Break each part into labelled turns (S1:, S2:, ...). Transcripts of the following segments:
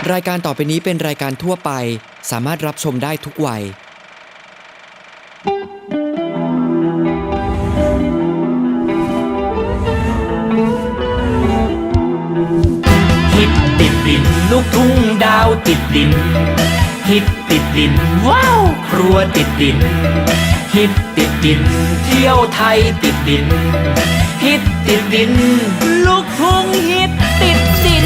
S1: รายการต่อไปนี้เป็นรายการทั่วไปสามารถรับชมได้ทุกวัย
S2: ฮิตติดดินลูกทุ่งดาวติดดินฮิตติดดินว้าวครัวติดดินฮิตติดดินเที่ยวไทยติดดินฮิตติดดินลูกทุ่งฮิตติดดิน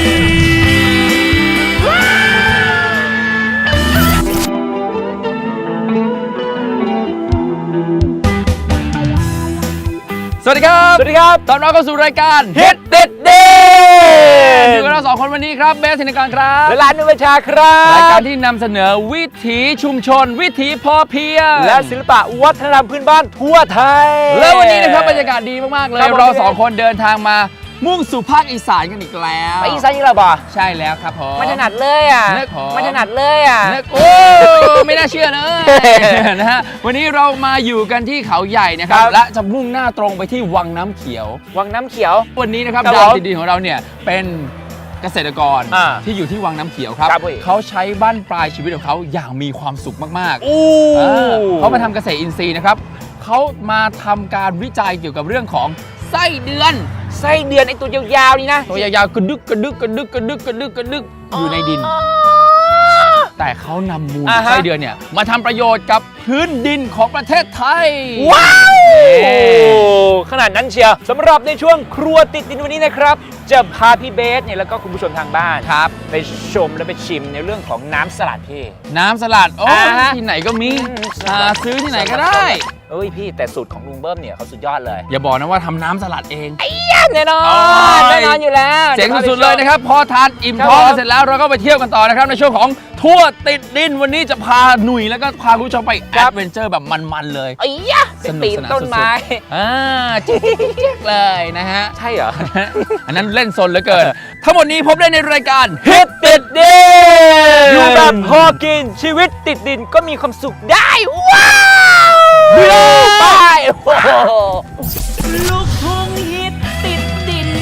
S3: สวัสดีครับ
S4: สวัสดีครับ
S3: ตอนรับเข้าสู่รายการฮิตติดดิ อยู่กับเราสองคนวันนี้ครับเบสธินกรครับ
S4: และร้านนุชชาครับ
S3: รายการที่นำเสนอวิถีชุมชน วิถีพอเพียง
S4: และศิลปะวัฒนธรรมพื้นบ้านทั่วไทย
S3: แล้ววันนี้นะครับบรรยากาศดีมากๆเลย
S4: ครับผม
S3: เราสองคนเดินทางมามุ่งสู่ภาคอีสานกันอีกแล้ว
S4: ไปอีสานอีกแล้วบ่
S3: ใช่แล้วครับผม
S4: ไม่ถนัดเลยอ่ะ
S3: เลิกขอ
S4: ไม่ถนัดเลยอ่ะ
S3: นึกโอ้ไม่น่าเชื่อเลย นะฮะวันนี้เรามาอยู่กันที่เขาใหญ่นะครับ
S4: ครับ
S3: และจะมุ่งหน้าตรงไปที่วังน้ำเขียว
S4: วังน้ำเขียว
S3: วันนี้นะครับ
S4: ครับ
S3: ดาว
S4: ผม
S3: ติดดินของเราเนี่ยเป็นเกษตรกร
S4: อ่า
S3: ที่อยู่ที่วังน้ำเขียวครับ
S4: ครับพี่
S3: เขาใช้บั้นปลายชีวิตของเขาอย่างมีความสุขมากๆ
S4: อู้
S3: เขามาทำเกษตรอินทรีย์นะครับเขามาทำการวิจัยเกี่ยวกับเรื่องของไส้เดือน
S4: ไส้เดือนไอตัวยาวๆนี่นะ
S3: ตัวยาวๆกระดึกกระดึกกระดึกกระดึกกระดึกกระดึกอยู่ในดิน แต่เขานำมูล
S4: อ่าฮะ
S3: ไส้เดือนเนี่ยมาทำประโยชน์กับพื้นดินของประเทศไทย
S4: ว้าว
S3: นี่
S4: ขนาดนั้นเชียวสำหรับในช่วงครัวติดดินวันนี้นะครับ จะพาพี่เบสเนี่ยแล้วก็คุณผู้ชมทางบ้าน
S3: ครับ
S4: ไปชมและไปชิมในเรื่องของน้ำสลัดพี่
S3: น้ำสลัดโอ้
S4: อ่าฮะ
S3: ที่ไหนก็มีหาซื้อที่ไหนก็ได้
S4: เอ้ยพี่แต่สูตรของลุงเบิ้มเนี่ยเขาสุดยอดเลย
S3: อย่าบอกนะว่าทำน้ำสลัดเอง
S4: แน่นอ
S3: โอ้
S4: น
S3: ย
S4: แน่นอนอยู่แล้ว
S3: เจ๋งสุดๆเลยนะครับพอทานอิ่มท้องกันเสร็จแล้วเราก็ไปเที่ยวกันต่อนะครับในช่วงของทั่วติดดินวันนี้จะพาหนุ่ยแล้วก็พาคุณผู้ชมไปแอดเวนเจอร์แบบมันๆเลย
S4: ไอ้ยะ
S3: สนุก
S4: ปีน
S3: สนาน
S4: ต้นไม้
S3: สุดๆจิ๊กๆเลยนะฮะ
S4: ใช่เหรอ
S3: อันนั้นเล่นซนเหลือเกิน ทั้งหมดนี้พบได้ในรายการ
S4: ฮิตติดดินอยู่แบบพอกินชีวิตติดดินก็มีความสุขได้ ว้าวไปโอ้โห
S2: ลูกทุ่งฮิตติดดิน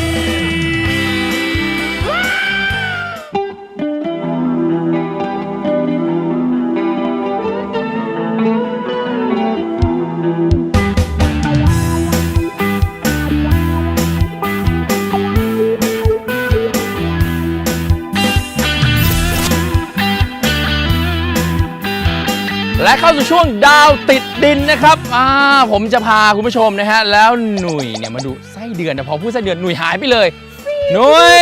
S3: และเข้าสู่ช่วงดาวติดดินนะครับผมจะพาคุณผู้ชมนะฮะแล้วหนุ่ยเนี่ยมาดูไส้เดือนนะพอพูดไส้เดือนหนุ่ยหายไปเลยหนุ่ย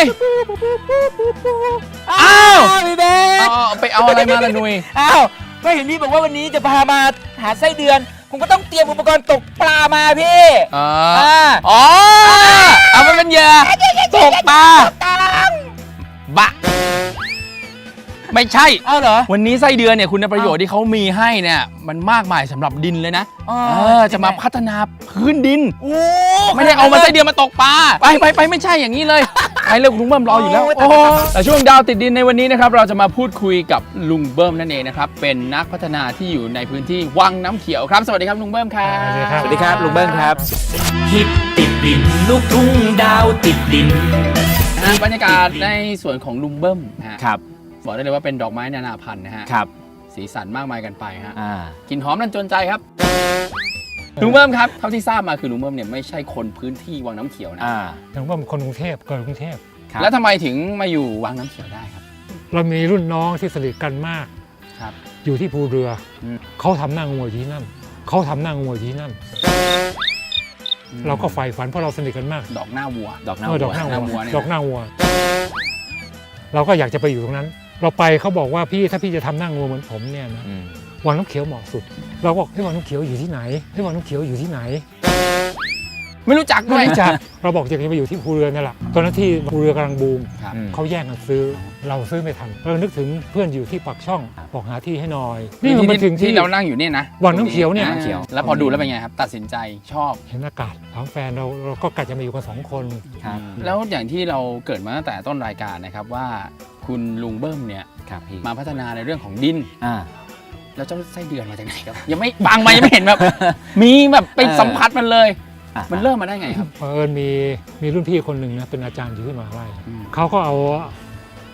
S3: อ้าว
S4: พี่เบส
S3: ไปเอาอะไรมาล่ะหนุ่ย
S4: อ้าวก็เห็นพี่บอกว่าวันนี้จะพามาหาไส้เดือน ผมก็ต้องเตรียมอุปกรณ์ตกปลามาพี่
S3: อ๋อ
S4: อ๋อ
S3: เอามันเป็นเหยื่อตกปลาบะไม่ใช่
S4: เอาเหรอ
S3: วันนี้ไส้เดือนเนี่ยคุณประโยชน์ที่เขามีให้เนี่ยมันมากมายสำหรับดินเลยนะ
S4: อ๋อ
S3: จะมาพัฒนาพื้นดิน
S4: โอ้
S3: ไม่ได้เอามาไส้เดือนมาตกปลาไปไม่ใช่อย่างนี้เลยไปเร็วลุงเบิ้มรออยู่แล้ว
S4: โอ้ย
S3: โอ้แต่ช่วงดาวติดดินในวันนี้นะครับเราจะมาพูดคุยกับลุงเบิ้มนั่นเองนะครับเป็นนักพัฒนาที่อยู่ในพื้นที่วังน้ำเขียวครับสวัสดีครับลุงเบิ้มครับ
S4: สวัสดีครับลุงเบิ้มครับ
S2: ฮิตติดดินลูกทุ่งดาวติดดิน
S3: บรรยากาศในส่วนของลุงเบิ้มนะฮะ
S4: ครับ
S3: บอกได้เลยว่าเป็นดอกไม้นานาพันธุ์นะฮะ
S4: ครับ
S3: สีสันมากมายกันไปฮะ
S4: อ่าก
S3: ลิ่นหอมนั่นจนใจครับลุงเบิ้มครับเท่าที่ทราบมาคือลุงเบิ้มเนี่ยไม่ใช่คนพื้นที่วังน้ำเขียวนะ
S5: ถึงว่าเป็นคนกรุงเทพเกิดกรุงเทพ
S3: แล้วทำไมถึงมาอยู่วังน้ำเขียวได้ครับ
S5: เรามีรุ่นน้องที่สนิทกันมาก
S3: ครับ
S5: อยู่ที่ภูเรืออ
S3: ม
S5: เขาทำหน้างวยอยู่ที่นั่นเขาทำหน้างวยอยู่ที่นั่น เราก็ใฝ่ฝันเพราะเราสนิทกันมาก
S3: ดอกหน้าวัว
S4: ดอกน้ำ
S5: ดอกหน้า
S3: หน้าวั
S5: วั
S3: ว
S5: ว
S3: เนี่ย
S5: ดอกหน้าวัว เราก็อยากจะไปอยู่ตรงนั้น เราไปเขาบอกว่าพี่ถ้าพี่จะทำหน้างวยเหมือนผมเนี่ยนะ
S4: อืม
S5: วังน้ำเขียวเหมาะสุด เราบอกให้ยวังน้ำเขียวอยู่ที่ไหนให้ยวังน้ำเขียวอยู่ที่ไหน
S3: ไม่รู้จักด้
S5: ไม่
S3: วย
S5: รู้จักเราบอกจะไปอยู่ที่ภูเรือนั่นแหละตอนนั้นที่ภูเรือกำลังบูม
S3: ครับ
S5: เขาแย่งกันซื้อเราซื้อไม่ทันเรานึกถึงเพื่อนอยู่ที่ปากช่องบอกหาที่ให้หน่อย
S3: นี่
S5: นี่มันถึง
S3: ที่
S5: ที่
S3: เรานั่งอยู่เนี่ยนะ
S5: วังน้ำเขียวเนี่ย
S3: วังำเขียวแล้วพอดูแล้วเป็นไงครับตัดสินใจชอบ
S5: เห็นอากาศถามแฟนเราก็กะจะมาอยู่กัน2 คน
S4: ครับ
S3: แล้วอย่างที่เราเกิดมาตั้งแต่ต้นรายการนะครับว่าคุณลุงเบิ้มเนี่ย
S4: ครับพี่
S3: มาพัฒนาในเรื่องของดิน
S4: อ่า
S3: แล้วเจ้าไส้เดือนมาจากไหนครับยังไม่บางมายังไม่เห็นแบบ มีแบบไปสัมผัสมันเลย มันเริ่มมาได้ไงครับ
S5: เผอิญมีรุ่นพี่คนหนึ่งนะเป็นอาจารย์อยู่ที่มหาลัย
S3: อืม
S5: เขาก็เอา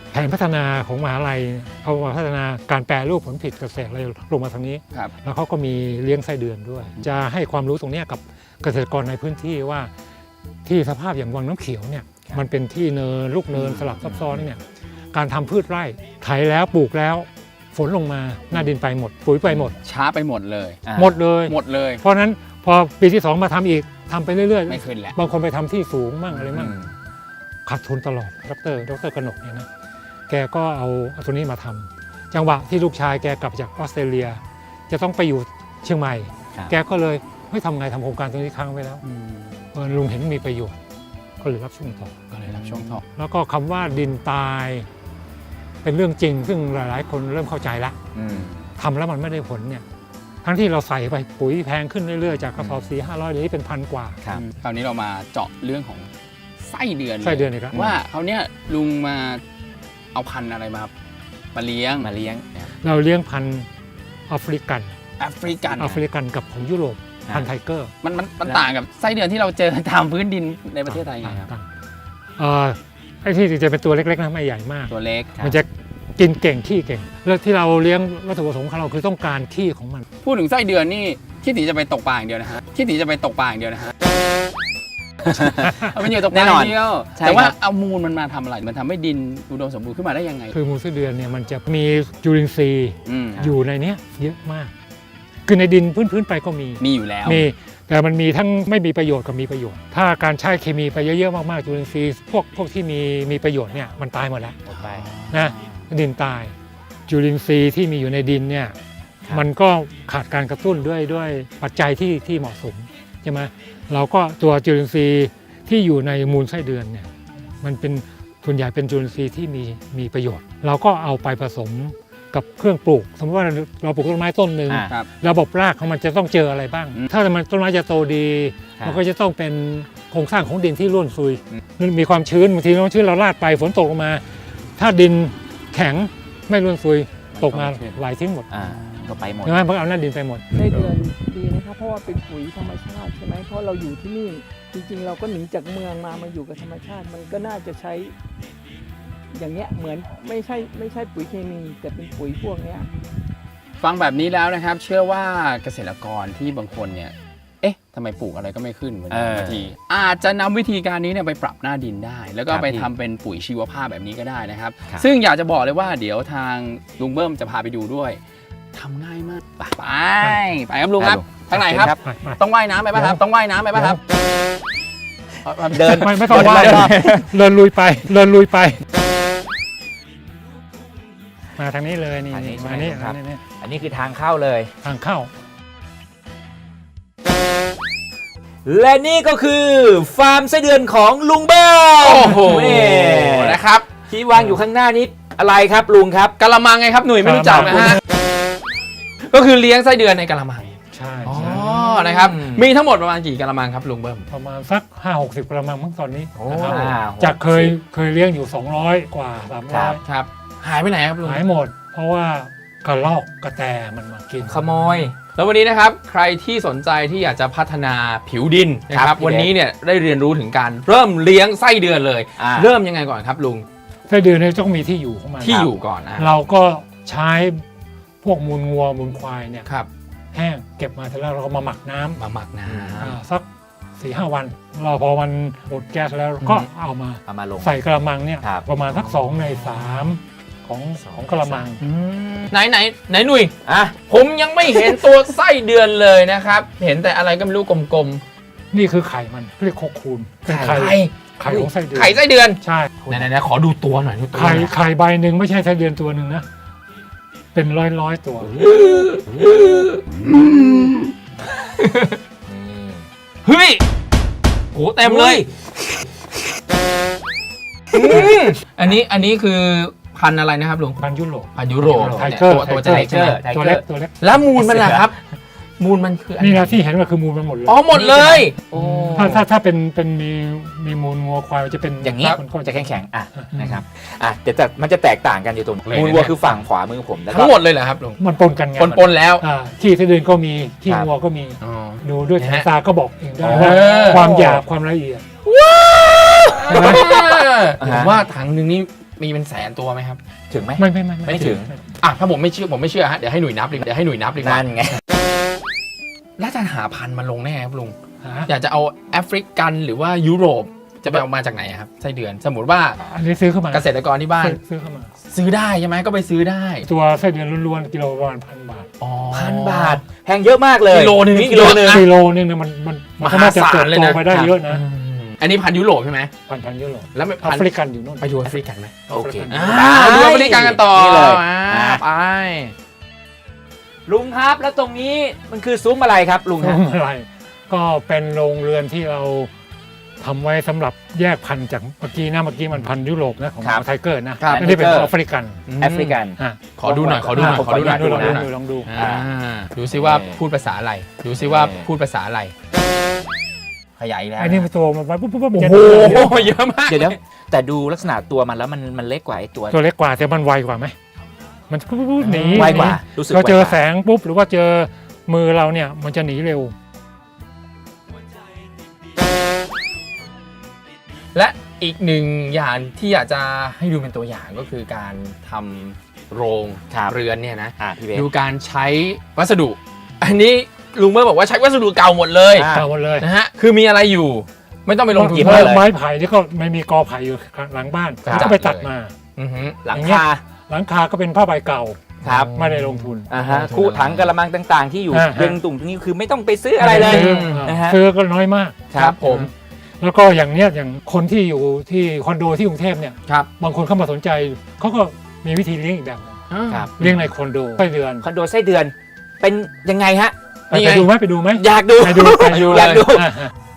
S5: แผนพัฒนาของมหาลัยเขามาพัฒนาการแปรรูปผลผลิตเกษตรอะไรลงมาทางนี้
S3: ครับ
S5: แล้วเขาก็มีเลี้ยงไส้เดือนด้วย จะให้ความรู้ตรงเนี้ยกับเกษตรกรในพื้นที่ว่าที่สภาพอย่างวังน้ำเขียวเนี่ยมันเป็นที่เนินลูกเนินสลับซับซ้อนเนี่ยการทำพืชไร่ไถแล้วปลูกแล้วฝนลงมาหน้าดินไปหมดปุ๋ยไปหมด
S3: ช้าไปหมดเลย
S5: หมดเลย
S3: หมดเลย
S5: เพราะฉะนั้นพอปีที่ 2 มาทำอีกทำไปเรื่อย
S3: ไม่ขึ้นแหละ
S5: บางคนไปทำที่สูงมั่งอะไรมั่ง
S3: อืม
S5: ขาดทุนตลอดดรกนกเนี่ยนะแกก็เอาตัวนี้มาทำจังหวะที่ลูกชายแกกลับจากออสเตรเลีย จะต้องไปอยู่เชียงใหม่ แกก็เลยไม่ทำไงทำโครงการตรงนี้ค้างไว้แล้วลุงเห็นมีประโยชน์ก็เลยรับช่วงต่อ
S3: ก็เลยรับช่วงต่อ
S5: แล้วก็คำว่าดินตายเป็นเรื่องจริง ซึ่งหลายๆ คนเริ่มเข้าใจแล้วทำแล้วมันไม่ได้ผลเนี่ยทั้งที่เราใส่ไปปุ๋ยแพงขึ้นเรื่อยๆจากกระสอบ400-500เดี๋ยวนี้เป็นพันกว่า
S3: คราวนี้เรามาเจาะเรื่องของไส้เดือนลย
S5: ไส้เดือนอีกแล้ว
S3: ว่าเขาวเนี่ยลุงมาเอาพันธุ์อะไรมาเลี้ยง
S5: เราเลี้ยงพันธุ์แอฟริกัน
S3: แอฟริกัน
S5: แอฟริกันกับของยุโรปพันธุ์ไทเกอร์
S3: มันต่างกับไส้เดือนที่เราเจอตามพื้นดินในประเทศไทยไงครับ
S5: ต่างไอ้ที่จะเป็นตัวเล็กๆนะไม่ใหญ่มาก
S3: ตัวเล็ก
S5: มันจะกินเก่งขี้เก่งแล้วที่เราเลี้ยงวัตถุประสงค์ของเราคือต้องการขี้ของมัน
S3: พูดถึงไส้เดือนนี่คิดถึงจะไปตกปลาอย่างเดียวนะฮะคิดถึงจะไปตกปลาอย่างเดียวนะฮะ เอาเป็นอยู่ตกปลาอย่างเดียวแต่ว่าเอามูลมันมาทำอะไรมันทำให้ดินอุดมสมบูรณ์ขึ้นมาได้ยังไง
S5: คือมูลไส้เดือนเนี่ยมันจะมีจุลินทรีย์
S3: อืม
S5: อยู่ในเนี้ยเยอะมาก คือในดินพื้นๆไปก็มี
S3: มีอยู่แล้ว
S5: มีแต่มันมีทั้งไม่มีประโยชน์กับมีประโยชน์ ถ้าการใช้เคมีไปเยอะๆมากๆจุลินทรีย์พวกที่มีประโยชน์เนี่ยมันตายหมดแล้วนะดินตายจุลินทรีย์ที่มีอยู่ในดินเนี่ยมันก็ขาดการกระตุ้นด้วยปัจจัยที่เหมาะสมใช่ไหมเราก็ตัวจุลินทรีย์ที่อยู่ในมูลไส้เดือนเนี่ยมันเป็นส่วนใหญ่เป็นจุลินทรีย์ที่มีประโยชน์ เราก็เอาไปผสมกับเครื่องปลูก สมมติว่าเราปลูกต้นไม้ต้นหนึ่ง
S3: ครับ
S5: ระบบรากของมันจะต้องเจออะไรบ้าง ถ้ามันต้นไม้จะโตดีมันก็จะต้องเป็นโครงสร้างของดินที่ร่วนซุยมีความชื้นบางทีความชื้นเราลาดไปฝนตกลงมา ถ้าดินแข็งไม่ร่วนซุยตกมาไหลทิ้งหมด
S6: ก็ไปหมด
S5: ใช่ไหมเพราะเอาหน้าดินไปหมด
S7: ไส้เดือนดีนะครับเพราะว่าเป็นปุ๋ยธรรมชาติใช่ไหมเพราะเราอยู่ที่นี่จริงๆ เราก็หนีจากเมืองมาอยู่กับธรรมชาติ มันก็น่าจะใช้ อย่างเงี้ยเหมือนไม่ใช่ปุ๋ยเคมีแต่เป็นปุ๋ยพวกเนี้ย
S3: ฟังแบบนี้แล้วนะครับ เชื่อว่าเกษตรกรที่บางคนเนี่ยเอ๊ะทำไมปลูกอะไรก็ไม่ขึ้นเหมือนบางทีอาจจะนำวิธีการนี้เนี่ยไปปรับหน้าดินได้ แล้วก็
S6: ครับ
S3: ไป
S6: พี่
S3: ทำเป็นปุ๋ยชีวภาพแบบนี้ก็ได้นะครับ
S6: ครับ
S3: ซึ่งอยากจะบอกเลยว่าเดี๋ยวทางลุงเบิ้มจะพาไปดูด้วยทำง่ายมากไปครับลุงครับทางไหนครับ ต้องว่ายน้ำไปป่ะครับ ต้องว่ายน้ำไปป่ะครับ
S6: เดิน
S5: ไม่ต้องว่ายเดินลุยไป มาทางนี้เลยนี่
S6: ทางนี้ใช่
S5: มา
S6: ไหม
S5: นี่
S6: ครับ
S5: นี่
S6: อันนี้คือทางเข้าเลย
S5: ทางเข้า
S6: และนี่ก็คือฟาร์มไส้เดือนของลุงเบิ้ม
S3: โอ้โห
S6: นี่
S3: นะครับ
S6: ที่วางอยู่ข้างหน้านี้อะไรครับลุงครับ
S3: กะละมังไงครับหนุ่ยไม่รู้จักนะฮะก็คือเลี้ยงไส้เดือนในกะละมัง
S5: ใช่
S3: อ๋อ
S5: ใช่
S3: นะครับ มีทั้งหมดประมาณกี่กะละมังครับลุงเบิ้ม
S5: ประมาณสัก 5-60 กระมังมั้งตอนนี้
S6: โอ้
S5: นะครับ
S6: 60
S5: จากเคยเลี้ยงอยู่ 200 กว่า
S6: ครับ
S5: 300
S3: ครับ หายไปไหนครับลุง
S5: หายหมด เพราะว่ากระรอกกระแตมันมากิน
S6: ขโมย
S3: แล้ววันนี้นะครับใครที่สนใจที่อยากจะพัฒนาผิวดินนะค
S6: ครั
S3: รับบ
S6: พี่
S3: วันนี้เนี่ยได้เรียนรู้ถึงการเริ่มเลี้ยงไส้เดือนเลย
S6: อ่า
S3: เริ่มยังไงก่อนครับลุง
S5: ไส้เดือนเนี่ยต้องมีที่อยู่ของมัน
S3: ที่อยู่ก่อนนะ
S5: เราก็ใช้พวกมูลงัวมูลควายเนี่ย
S3: ครับ
S5: แห้งเก็บมาเสร็จแล้วเราก็มาหมักน้ำ
S3: มาหมักน้
S5: สัก 4-5 วันเราพอมันหมดแก๊สแล้วก็เอามา
S6: เอามาลง
S5: ใส่กระมังเนี่ย
S6: ครับ
S5: ประมาณสัก2 ใน 3ของกระมัง
S3: ำไหนหนุ่ย
S6: อ่ะ
S3: ผมยังไม่เห็นตัวไส้เดือนเลยนะครับ เห็นแต่อะไรก็ไม่รู้กลม
S5: นี่คือไข่มันเรียกโคคูนเป็น
S3: ๆ
S5: ไข่ของไส้เดือน
S3: ไข่ไส้เดือน
S5: ใช่
S3: ไหนขอดูตัวหน่อยดูตัว
S5: ไข่ใบหนึ่งไม่ใช่ไส้เดือนตัวหนึ่งนะ เป็นร้อยตัว
S3: เฮ้ยโหเต็มเลย อันนี้คือพันธุ์อะไรนะครับลุง
S5: พันธุ์ยุโรป
S3: พันธุ์ยุโรป
S5: ไทเกอร์
S3: ตัวจะเล็กใช่ไหม
S5: ตัวเล็กตัวเล็ก
S3: แล้วมูลมันล่ะครับ มูลมันคืออะไร
S5: นี่นะที่เห็นว่าคือมูลมันหมดเลย
S3: อ๋อหมดเลย
S5: ถ้าเป็นมีมูลงัวควายมันจะเป็น
S6: อย่างนี้
S5: มันก็
S6: จะแข็งๆอ่ะนะครับอ่ะแต่มันจะแตกต่างกันอยู่ตรงมูลวัวคือฝั่งขวามือผมแล้วก็
S3: ทั้งหมดเลยเหรอครับลุง
S5: มันปนกันไง
S3: ปนแล้ว
S5: ที่ไส้เดือนก็มีที่
S6: ครับ
S5: งัวก็มี
S3: อ๋อ
S5: ดูด้วยสายตาก็บอกเองได้
S3: อ๋อ
S5: ว่าความหยาบความละเอียด
S3: ผมว่าถังหนึ่งนี่มีเป็นแสนตัวไหมครับ
S6: ถึงไหม
S5: ไม่
S6: ไม่ถึง
S3: อ่ะถ้าผมไม่เชื่อฮะเดี๋ยวให้หนุ่ยนับดีกว่า
S6: นั่นไง
S3: แล้วจะหาพันธุ์มาลงแน่ครับลุง
S5: ฮะ
S3: อยากจะเอาแอฟริกันหรือว่ายุโรปจะไปเอามาจากไหนอะครับไส้เดือนสมมติว่า
S5: อันนี้ซื้อเข้ามา
S3: เกษตรกรที่บ้าน
S5: ซื้อเข้ามา
S3: ซื้อได้ใช่ไหมก็ไปซื้อได้
S5: ตัวไส้เดือนล้วนๆกิโลประมาณ1,000 บาท
S3: อ๋อ
S6: 1,000 บาทแพงเยอะมากเลย
S3: กิโลนึง
S6: กิโลนึง
S5: กิโลนึงเนี่ยมันก็น่าจะเติบโตไปได้เยอะนะ
S3: อันนี้พันธุ์ยุโรปใช่ไหม
S5: พันยุโรป
S3: แล้ว
S5: แอ
S3: พัน
S5: ฟริ
S3: ธุ์
S5: กันอยู่นู่น
S3: ไปดูแอฟริกันไหม
S6: โอเค
S3: ดูแอฟริกันกันต่อ
S6: นี่เลย
S3: ไป
S6: ลุงครับแล้วตรงนี้มันคือซุ้มอะไรครับลุงฮะ
S5: อะไรก็เป็นโรงเรือนที่เราทำไว้สำหรับแยกพันธุ์จากเมื่อกี้มันพันธุ์ยุโรปนะของ
S6: ครับ
S5: ไทเกอร์นะครับ ไม่ได้เป็นของแอฟริกัน
S6: แอฟริกัน
S5: อ่ะ
S3: ขอดูหน่อย
S6: ขอดูหน่อย
S5: ลองดู
S3: ดูซิว่าพูดภาษาอะไร
S6: ขยายอีกแล้ว
S5: ไอ้นี่มันตัวมันไว้ปุ๊บ
S3: โอ้โหเยอะมาก
S6: เดี๋ยวแต่ดูลักษณะตัวมันแล้วมันเล็กกว่าไอ้ตัว
S5: ตัวเล็กกว่าแต่มันไวกว่าไหมมันปุ๊บหนี
S6: ไวกว่ารู้สึก
S5: เราเจอ
S6: ไวกว่า
S5: แสงปุ๊บหรือว่าเจอมือเราเนี่ยมันจะหนีเร็ว
S3: และอีกหนึ่งอย่างที่อยากจะให้ดูเป็นตัวอย่างก็คือการทำโรง
S6: ครับ
S3: เรือนเนี่ยนะ
S6: พี่เบส
S3: ดูการใช้วัสดุ อันนี้ลุงเมื่อบอกว่าใช้วัสดุเก่าหมดเลย
S6: อ่า
S5: เก่าหมดเลย
S3: นะฮะคือมีอะไรอยู่ ไม่ต้องไปลงทุน
S6: กี่
S3: เพิ่ม
S5: ไม้ไผ่ที่ก็ไม่มีกอไผ่อยู่หลังบ้าน
S3: ครับ
S5: ก็ไปตัดมา
S3: อือฮึ
S6: หลัง
S5: อย่างเงี้ย
S6: คา
S5: หลังคาก็เป็นผ้าใบเก่า
S6: ครับ
S5: ไม่ได้ลงทุน
S6: คู่ถังกระมังต่างๆ ที่อยู่
S5: อ่าฮะ
S6: เรียงตุ่มตรงนี้คือไม่ต้องไปซื้ออะไรเลย
S5: ซื้อ
S6: นะฮะ
S5: ซื้อก็น้อยมาก
S3: ครับผม
S5: แล้วก็อย่างเนี้ยอย่างคนที่อยู่ที่คอนโดที่กรุงเทพเนี่ย
S3: ครับ
S5: บางคนเข้ามาสนใจเขาก็มีวิธีเลี้ยงอีกแบบหนึ่ง
S6: ครับ
S5: เลี้ยงในคอนโดไส้เดือน
S6: คอนโดไส้เดือนเป็นยังไงฮะ
S3: นี่ไง
S5: ไปดูไหม
S6: อยากดู
S5: ไปดู
S6: อยากดู
S5: อ่ะ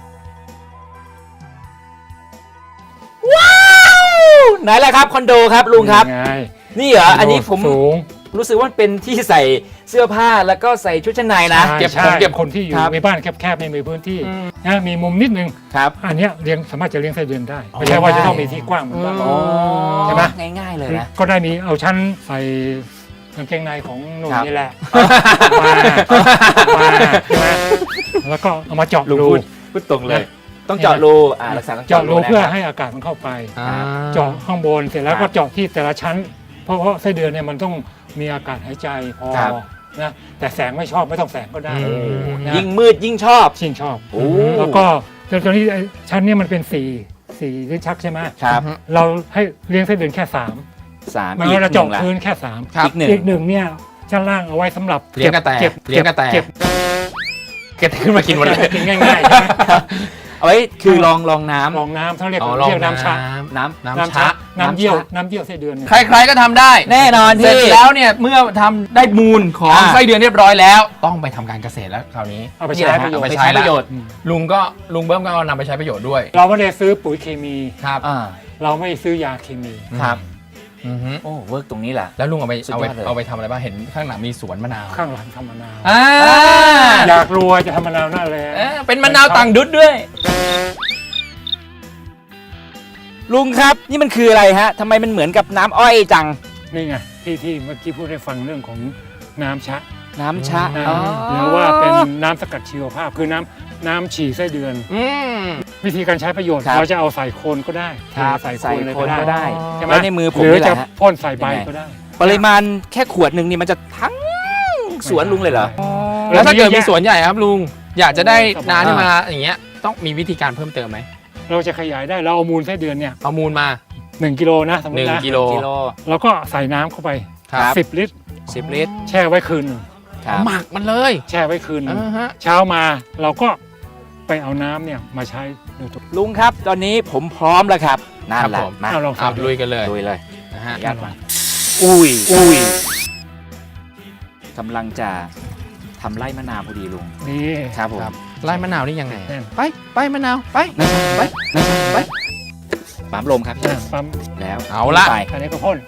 S6: ไหนล่ะครับคอนโดครับลุงครับ
S5: ไง
S6: นี่เหรออันนี้ผม
S5: สูง
S6: รู้สึกว่าเป็นที่ใส่เสื้อผ้าแล้วก็ใส่ชุดชั้นในนะ
S3: เก็บ
S5: ใช่
S3: ของเก็บ
S5: คนที่อยู่
S6: ครับ
S5: ในบ้านแคบๆไม่มีพื้นที่
S6: อืม
S5: นะมีมุมนิดนึง
S6: ครับ
S5: อันเนี้ยสามารถจะเลี้ยงไส้เดือนได้ไม่ใช่ว่าจะต้องมีที่กว้างเหมือนบ้านเรา ใช่ไหม
S6: ง่ายๆเลยนะ
S5: ก็ได้มีเอาชั้นใส่กางเกงในของหนุ่ม
S6: ครับ
S5: นี่แหละมาใช่ไหมแล้วก็เอามาเจาะ
S6: ลุง
S5: รู
S6: พูดตรงเลย ต้องเจาะรูลักษณะต้อง
S5: เจาะรู
S6: นะ
S5: เพื่อ
S6: ครับ
S5: ให้อากาศมันเข้าไป
S3: อ่า
S5: เจาะข้างบนเสร็จแล้ว
S6: ครั
S5: ก็
S6: บ
S5: เจาะที่แต่ละชั้น เพราะไส้เดือนเนี่ยมันต้องมีอากาศหายใจพอ
S6: ครับ
S5: นะแต่แสงไม่ชอบไม่ต้องแสงก็ได้
S3: อืม
S5: นะ
S6: ยิ่งมืดยิ่งชอบ
S5: ชิงชอบ
S6: โอ้
S5: แล้วก็ตอนนี้ไอ้ชั้นเนี้มันเป็นสี่ลิ้นชักใช่ไหม
S6: ครับ
S5: เราให้เลี้ยงไส้เดือนแค่3
S6: 3
S5: มัน
S6: อีก
S5: ก็จะ
S6: หนึ่
S5: เจาะ
S6: งละ
S5: พื้นแค่3
S3: ครับ
S6: อีกหนึ่ง
S5: อีกหนึ่งเนี่ยชั้นล่างเอาไว้สำหรับ
S3: เลี้ยงกระแต
S5: เก็บ
S3: เลี้ยงกระแต
S5: เก็บ
S3: เก็บขึ้นมากินหมดเลย
S5: กินง่ายๆใช่ไหม
S6: เอาไว้คือลองน้ำ
S5: ลองน้ำเขาเรียก
S3: อ๋อ
S5: เรียกน้ำชะ
S6: น้
S3: น้ำชะ
S5: น้ำเยี่ยวไส้เดือนเนี่ย
S3: ใครๆก็ทำได้
S6: ำแน่นอน
S3: เสร็
S6: พี่
S3: จแล้วเนี่ยเมื่อทำได้มูลของ
S6: อ่า
S3: ไส้เดือนเรียบร้อยแล้ว ต้องไปทำการเกษตรแล้วคราวนี้
S5: เอาไป
S6: นี่
S5: ใช้
S6: แหละ
S5: ประโยช
S3: เอาไป
S5: น์
S3: ใช้
S6: ประโยชน์
S3: ลุงเบิ้มก็เอานำไปใช้ประโยชน์ด้วย
S5: เราไม่ได้ซื้อปุ๋ยเคมี
S3: ครับ
S5: เราไม่ซื้อยาเคมี
S6: ครับ
S3: อือฮึ
S6: โอ้เวิร์กตรงนี้แหละ
S3: แล้วลุงเอาไป
S6: สุดยอดเลย
S3: เอาไปทำอะไรบ้างเห็นข้างหลังมีสวนมะนาว
S5: ข้างหลังทำมะนาว
S3: อ่า
S5: อยากรวยจะทำมะนาวหน้าแล้
S3: เป็นมะนาวต่างดุดด้วย
S6: ลุงครับนี่มันคืออะไรฮะทำไมมันเหมือนกับน้ำอ้อยจัง
S5: นี่ไงที่เมื่อกี้พูดให้ฟังเรื่องของน้ำชะ
S6: น้ำชะ
S5: นะ
S6: อ๋อ
S5: หรือว่าเป็นน้ำสกัดชีวภาพคือน้ำฉี่ไส้เดือน
S3: อืม
S5: วิธีการใช้ประโยชน์
S6: ครับ
S5: เราจะเอาใส่โคนก็ได้
S6: ครับ
S5: ใส่
S6: ใส่
S5: โคนเลย
S6: โค
S5: ก็
S6: นก็
S5: ได้
S6: ได้
S5: ใช่ไหม
S6: แล้วในมือผม
S5: หรือ
S6: นี่แห
S5: จะ
S6: ละฮะ
S5: พ่นใส่ใบ
S6: ยังไง
S5: ก็ได้
S6: ปริมาณแค่ขวดหนึ่งนี่มันจะทั้งสวนลุงเลยเหรอ
S3: แล้วถ้าเกิดมี
S5: ยอะ
S3: สวนใหญ่ครับลุงอยากจะได้
S5: สบาย
S3: น้ำที่มาอย่างเงี้ยต้องมีวิธีการเพิ่มเติมไหม
S5: เราจะขยายได้เราเอามูลไส้เดือนเนี่ย
S3: เอามูลมา
S5: 1 กิโลนะสมมตินะ
S3: 1 กิโล
S5: แล้วก็ใส่น้ำเข้าไป
S3: ครับ
S5: 10 ลิตร
S6: 10 ลิตร
S5: แช่ไว้คืนหนึ่ง
S6: ครับ
S3: หมักมันเลย
S5: แช่ไว้คืนหนึ่ง
S3: อ่าฮะ
S5: เช้ามาเราก็ไปเอาน้ำเนี่ยมาใช้โดยตรง
S6: ลุงครับตอนนี้ผมพร้อมแล้วครับนั่นแหละมา
S5: เอาลอง
S3: เอาลุยกันเลย
S6: ลุยเลย
S3: นะฮะ
S6: ญาติมาอุ้ยกำลังจะทำไร่มะนาวพอดีลุง
S5: นี่
S6: ครับผม
S3: ครับไล่มะนาวนี่ยังไงอะ
S5: แน่น
S3: ไปมะนาวไป
S6: นั่นไปนั่นไปปั๊มลมครับพี่
S5: ปั๊ม
S6: แล้ว
S3: เอาละ
S6: ไป
S5: อันนี้ก็พ่น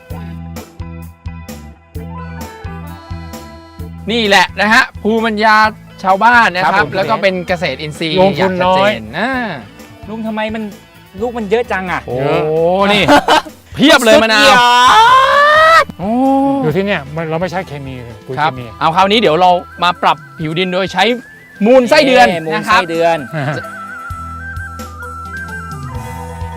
S3: นี่แหละนะฮะภูมิปัญญาชาวบ้านนะค
S6: ครั
S3: รั
S6: บบ ผม
S3: แล้วก็เป็นเกษตรอินทรีย์
S5: ลงทุนน้อย
S3: างชัดเจนะ
S6: ลุงทำไมมันลูกมันเยอะจังอ่ะ
S3: โอ้นี่ เพียบเลยมะนาว
S6: สุดยอด
S3: โอ้
S5: อยู่ที่เนี่ยเราไม่ใช้เคมีเลยปุ๋ย
S3: ครั
S5: เค
S3: บ
S5: มี
S3: เอาคราวนี้เดี๋ยวเรามาปรับผิวดินโดยใช้มูลไส้เดือน
S6: มูล
S3: นะค
S6: ไส้
S3: รับ
S6: เดือน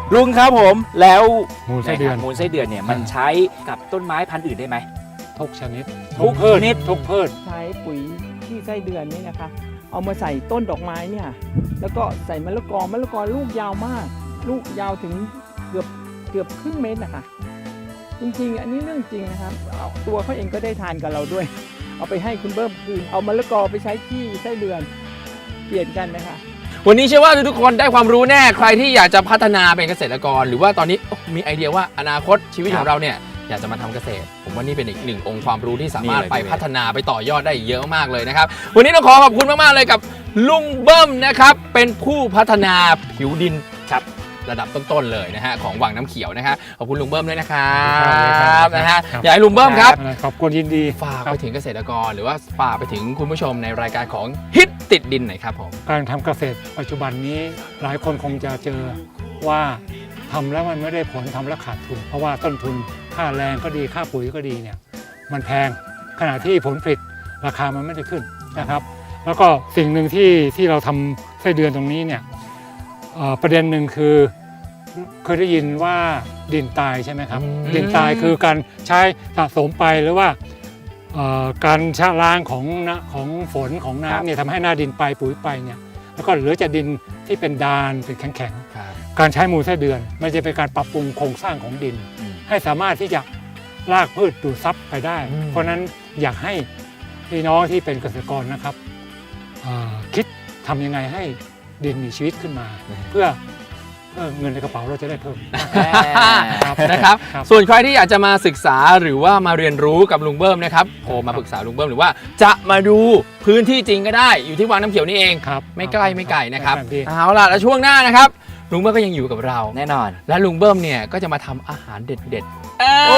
S6: ลุงครับผมแล้ว
S5: มูลไส้เดือน
S6: มูลไส้เดือนเนี่ยมันใช้กับต้นไม้พันธุ์อื่นได้ไหม
S5: ทุกชนิด
S6: ทุก
S5: พืช
S6: ชนิด
S5: ทุกพืช
S7: ใช้ปุ๋ยที่ไส้เดือนนี่นะคะ เอามาใส่ต้นดอกไม้เนี่ยแล้วก็ใส่มะละกอลูกยาวมาก ลูกยาวถึงเกือบครึ่งเมตรนะคะจริงๆ อันนี้เรื่องจริงนะครับเอาตัวเขาเองก็ได้ทานกับเราด้วย เอาไปให้คุณเบิ้มคืนเอามะละกอไปใช้ที่ไส้เดือนเปลี่ยนกันนะคะ
S3: วันนี้เชื่อว่าทุกคนได้ความรู้แน่ใครที่อยากจะพัฒนาเป็นเกษตรกร หรือว่าตอนนี้มีไอเดียว่าอนาคตชีวิตของเราเนี่ยอยากจะมาทำเกษตร ผมว่านี่เป็นอีกหนึ่งองค์ความรู้ที่สามารถไปพัฒนาไปต่อยอดได้เยอะมากเลยนะครับวันนี้ต้องขอขอบคุณมากๆเลยกับลุงเบิ้มนะครับเป็นผู้พัฒนาผิวดินครับระดับต้นๆเลยนะฮะของวังน้ำเขียวนะครับขอบคุณลุงเบิ้มด้วยนะครับนะฮะอยากให้ลุงเบิ้มครับ
S5: ขอบคุณยินดี
S3: ฝาก
S5: ครั
S3: ไป
S5: บ
S3: ถึงเกษตรกรหรือว่าฝากไปถึงคุณผู้ชมในรายการของฮิตติดดินหน่อยครับผม
S5: การทำเกษตรปัจจุบันนี้หลายคนคงจะเจอว่าทำแล้วมันไม่ได้ผลทำแล้วขาดทุน เพราะว่าต้นทุนค่าแรงก็ดีค่าปุ๋ยก็ดีเนี่ยมันแพงขณะที่ผลผลิตราคามันไม่ได้ขึ้นนะครับ แล้วก็สิ่งหนึ่งที่เราทำไส้เดือนตรงนี้เนี่ยประเด็นหนึ่งคือเคยได้ยินว่าดินตายใช่ไหมครับ ดินตายคือการใช้สะสมไปหรือว่าการชะล้างของฝนของน้ำเนี่ยทำให้หน้าดินไปปุ๋ยไปเนี่ยแล้วก็เหลือจะดินที่เป็นดานเป็นแข็งๆการใช้มูลไส้เดือนมันจะเป็นการปรับปรุงโครงสร้างของดิน ให้สามารถที่จะลากพืชดูดซับไปได้ เพราะฉะนั้นอยากให้พี่น้องที่เป็นเกษตรกรนะครับคิดทำยังไงให้ดินมีชีวิตขึ้นมา เพื่อเงินในกระเป๋าเราจะได้เพิ่ม
S3: นะครับ
S5: ครับ
S3: ส่วนใครที่อยากจะมาศึกษาหรือว่ามาเรียนรู้กับลุงเบิ้มนะครับโทรมาปรึกษาลุงเบิ้มหรือว่าจะมาดูพื้นที่จริงก็ได้อยู่ที่วังน้ำเขียวนี่เอง
S5: ครับ
S3: ไม่ใกล้ไม่ไกลนะครับ
S5: ดี
S3: เอาล่ะแล้วช่วงหน้านะครับลุงเบิ้มก็ยังอยู่กับเรา
S6: แน่นอน
S3: และลุงเบิ้มเนี่ยก็จะมาทำอาหารเด็ดๆ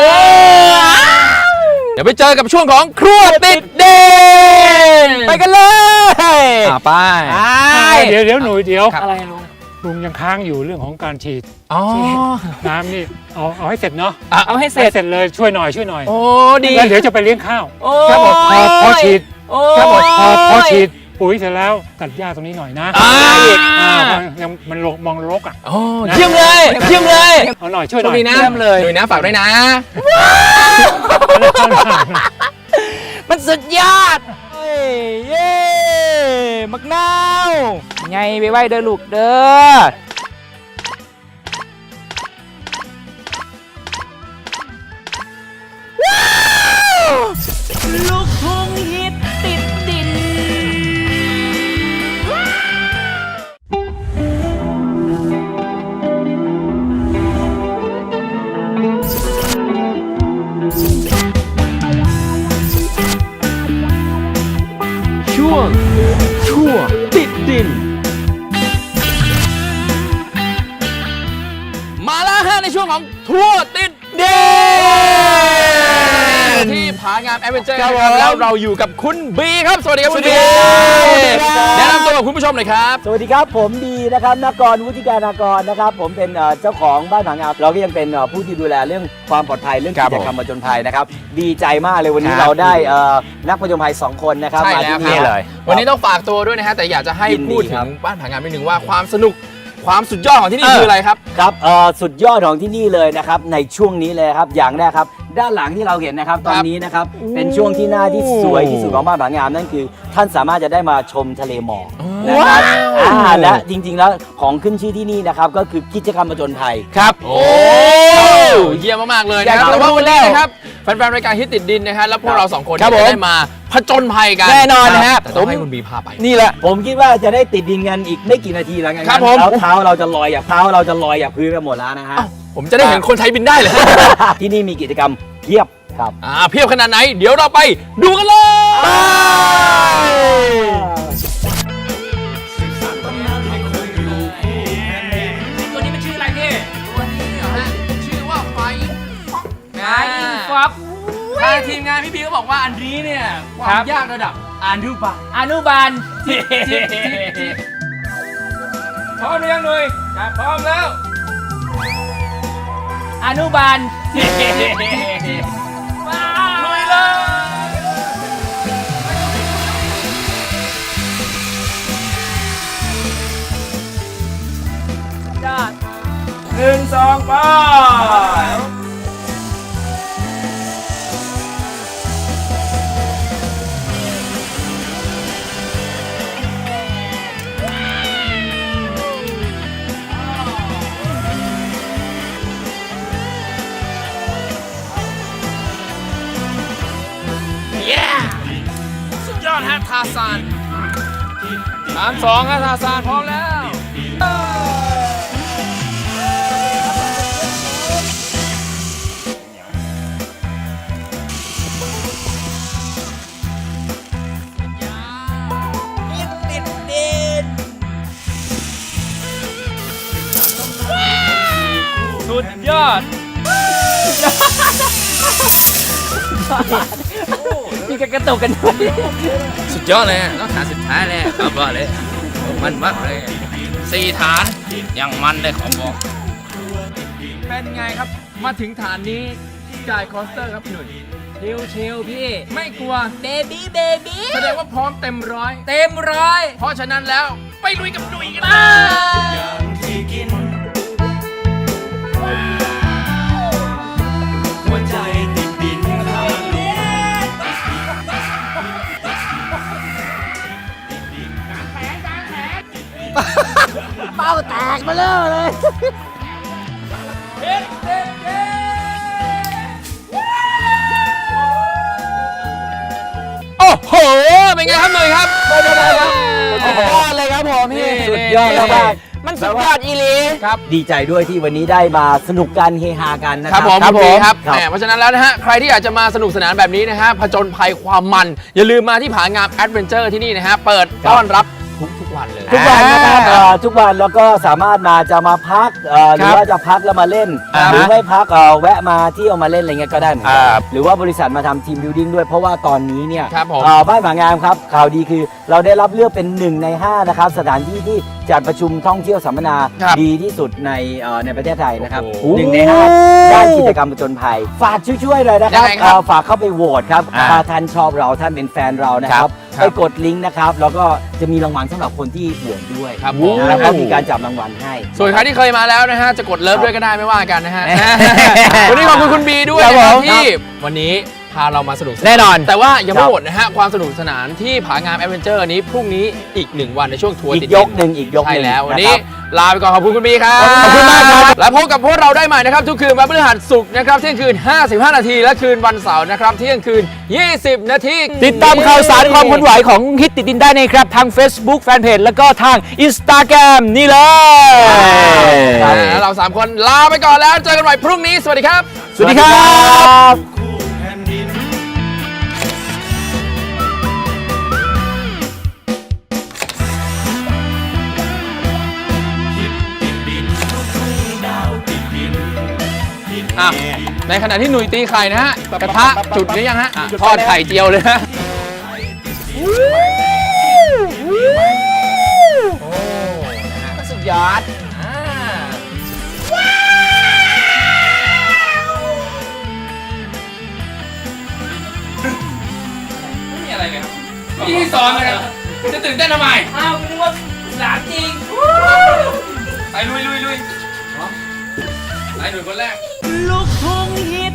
S3: เดี๋ยวไปเจอกับช่วงของครัวติดเด่น
S6: ไปกันเลย
S3: ไป
S5: เดี๋ยวหนูเดี๋ยว
S3: ครับ
S6: อะไรลุง
S5: ลุงยังค้างอยู่เรื่องของการฉีด
S3: อ๋อ
S5: น้ำนี่เอาให้เสร็จเนาะ
S6: เอาให้เสร็
S5: ให้
S6: จ
S5: เสร็จเลยช่วยหน่อย
S3: โอ้ดี
S5: แล้วเดี๋ยวจะไปเลี้ยงข้าว
S6: โอ้
S5: แค่บอกพอฉีด
S6: โอ้
S5: แค่บอกพอฉีดปุ๋ยเสร็จแล้วตัดหญ้าตรงนี้หน่อยนะ
S3: อ่า
S5: ยังมันมองรกอ่ะ
S3: โอ้เยี่ยมเลยเยี่ยมเลย
S5: เอาหน่อยช่วยห
S3: โช
S5: น่
S3: ค
S5: อย
S3: ดีนะ
S6: เยี่ยมเลย
S3: หนุ่ยนะฝากด้วยนะ
S6: มันสุดยอดเย้มักนาวไงไปไหวเด้อลูกเด้อลูกทุ่งฮิตติดดิน
S2: ช่วงติดดิน
S3: มาแล้วฮะในช่วงของทัวร์ติดเด่นที่ผางามแอดเวนเจอร์นะครับแล้วเราอยู่กับคุณบีครับสวัสดีครับคุณบีแนะนำตัวกับคุณผู้ชมหน่อยครับ
S8: สวัสดีครับผมบีนะครับนกรวุฒิการนากรนะครับผมเป็นเจ้าของบ้านผางามเราก็ยังเป็นผู้ที่ดูแลเรื่องความปลอดภัยเรื่อง
S3: ครั
S8: กิ
S3: บ
S8: จกรรมผจญภัยนะครับดีใจมากเลยวันนี้
S3: ครับ
S8: เราได้นักผจญภัย2 คนนะครับ
S3: ใช่
S8: มา
S3: แล้ว
S8: ที่
S3: ค
S8: นี่
S3: รับวันนี้ต้องฝากตัวด้วยนะฮะแต่อยากจะให้
S8: ยินดี
S3: พูดถึ
S8: ครั
S3: ง
S8: บ
S3: บ้านผางามนิดนึงว่าความสนุกความสุดยอดของที่นี่คืออะไรครับ
S8: ครับสุดยอดของที่นี่เลยนะครับในช่วงนี้เลยครับอย่างแรกครับด้านหลังที่เราเห็นนะครับตอนนี้นะครับเป็นช่วงที่หน้าที่สวยที่สุดของบ้านผางามนั่นคือ ท่านสามารถจะได้มาชมทะเลหมอกนะครับและจริงๆแล้วของขึ้นชื่อที่นี่นะครับก็คือกิจกรรมผจญภัย
S3: ครับโอ้เยี่ยมมากๆเลยนะครับ
S8: อยากจะ
S3: แต่ว่าวันนี้
S8: รู้แล้ว
S3: นะครับแฟนๆรายการฮิตติดดินนะฮะแล้วพวกเราสองคน
S8: ครับ
S3: จะ
S8: ผม
S3: ได้มาผจญภัยกัน
S8: แน่นอนนะฮะ
S3: แต่ต้องให้คุณบีพาไป
S8: นี่แหละผมคิดว่าจะได้ติดดินกันอีกไม่กี่นาทีแล้วกัน
S3: ครับผม
S8: เท้าเราจะลอยจากพื้นกันหมดแล้วนะฮะ
S3: ผมจะได้เห็นคนไทยบินได้เลย
S8: ที่นี่มีกิจกรรมเพียบครับ
S3: เพียบขนาดไหน เดี๋ยวเราไปดูกันเลยตัวนี้มันชื่ออะไรพี่ตัวนี้เหรอฮะชื่อว่าไฟฟ็อกทางทีมงานพี่บีก็บอกว่าอันนี้เนี่ยความยากระดับอนุบาล
S4: อนุบาล
S3: พร้อมหรือยังหนุ่ยพร้อมแล้ว
S4: อนุบาล
S3: ลุยเลย
S4: ยอด 1 2 ไป
S3: สุดยอดฮะทาซาน3-2ฮะทาซานพร้อมแล้ว
S4: สุดยอด
S6: พี่ก็กระตุกกันด้วย
S3: สุดยอดเลยต้องฐานสุดท้ายเลยขอบอกเลย มันมากเลย4 ฐานยังมันเลยขอบอก เป็นไงครับ มาถึงฐานนี้จ่ายคอสเตอร์ครับพี่หนุ่ย
S6: ชิวๆพี่
S3: ไม่กลัว
S6: เบบี้เบบี้
S3: แสดงว่าพร้อมเต็มร้อย
S6: เต็มร้อย
S3: เพราะฉะนั้นแล้วไปลุยกับหนุ่ยกันเลย
S6: เป้าแตกมาเลย
S3: โอ้โห เป็นไงครับหนุ่ยครับ
S6: สุดยอดเลยครับผมพี่
S8: สุดยอดมาก
S6: มันสุดยอดอีหลี
S8: ดีใจด้วยที่วันนี้ได้มาสนุกกันเฮฮากันนะ
S3: ค
S8: ค
S3: รั
S8: รั
S3: บบ ผม
S8: ครับ
S3: คุณปีครับ
S8: ครับ
S3: แหมเพราะฉะนั้นแล้วนะฮะ ใครที่อยากจะมาสนุกสนานแบบนี้นะฮะ ผจญภัยความมัน อย่าลืมมาที่ผางามแอดเวนเจอร์ที่นี่นะฮะ เปิดต้อนรับทุกวันเลย
S8: ทุกวันนะครับทุกวันแล้วก็สามารถมาจะมาพักหรือว่าจะพักแล้วมาเล่น หรือไม่พักแวะมาเที่ยวมาเล่นอะไรเงี้ยก็ได้เหมือนกันหรือว่าบริษัทมาทำทีมบิวดิ้งด้วยเพราะว่าตอนนี้เนี่ย
S3: ครับผม
S8: บ้านผางามครับข่าวดีคือเราได้รับเลือกเป็น1 ใน 5นะครับสถานที่ที่จัดประชุมท่องเที่ยวสัมมนา
S3: ครับ
S8: ดีที่สุดในประเทศไทยนะครับ
S3: โอ้โห
S8: 1 ใน 5 ด้านกิจกรรมผจญภัยฝากช่วยๆเลยนะครับ
S3: ยังไงครับ
S8: ฝากเข้าไปโหวตครับถ้าท่านชอบเราท่านเป็นแฟนเรานะครับ
S3: ครับ
S8: ไปกดลิงก์นะครับแล้วก็จะมีรางวัลสำหรับคนที่โหวตด้วย
S3: ครับผม
S8: แล้วก็มีการจับรางวัลให้
S3: ส่วนใครที่เคยมาแล้วนะฮะ จะกดเลิฟด้วยก็ได้ไม่ว่ากันนะฮะ วันนี้ขอบคุณคุณบีด้วย
S6: ครับ
S3: นะครับ
S6: ผม
S3: ที่วันนี้พาเรามาสนุกสา
S6: แน่นอน
S3: แต่ว่ายัง
S8: ครั
S3: ไม่
S8: บ
S3: หมดนะฮะ ความสนุกสนานที่ผางามแอดเวนเจอร์นี้พรุ่งนี้อีก 1 วันในช่วงทัวร์
S8: อี
S3: ติด
S8: กยกหนึ่งอีกยกห
S3: ใช่
S8: นึ่ง
S3: แล้ววัน
S8: ะ
S3: นี้
S8: ครับ
S3: ลาไปก่อนขอบคุณคุณบีครับ
S8: ขอบคุณมากครับ
S3: และพบกับพวกเราได้ใหม่นะครับ ทุกคืนวันพฤหัสศุกร์นะครับเที่ยงคืน 55 นาทีและคืนวันเสาร์นะครับเที่ยงคืน 20 นาที
S6: ติดตามข่าวสารความเคลื่อนไหวของฮิตติดดินได้นะครับ ทาง Facebook Fanpage แล้วก็ทาง Instagram นี่เลย
S3: แล้วเรา 3 คนลาไปก่อนแล้วเจอกันใหม่พรุ่งนี้สวัสดีครับ
S6: สวัสดีครับ
S3: อ่ะในขณะที่หนุ่ยตีไข่นะฮะกระทะจุดหรือยังฮะทอดไข่เจียวเลยฮะสุดยอดไม่มีอะไรเลยครับพี่ที่สอนเลยครับจะตื่นเต้นทำไมอ้าวนึกว่าหลานจริงไปลุยไปหนุ่ยคนแรก
S2: ลูกทุ่งฮิต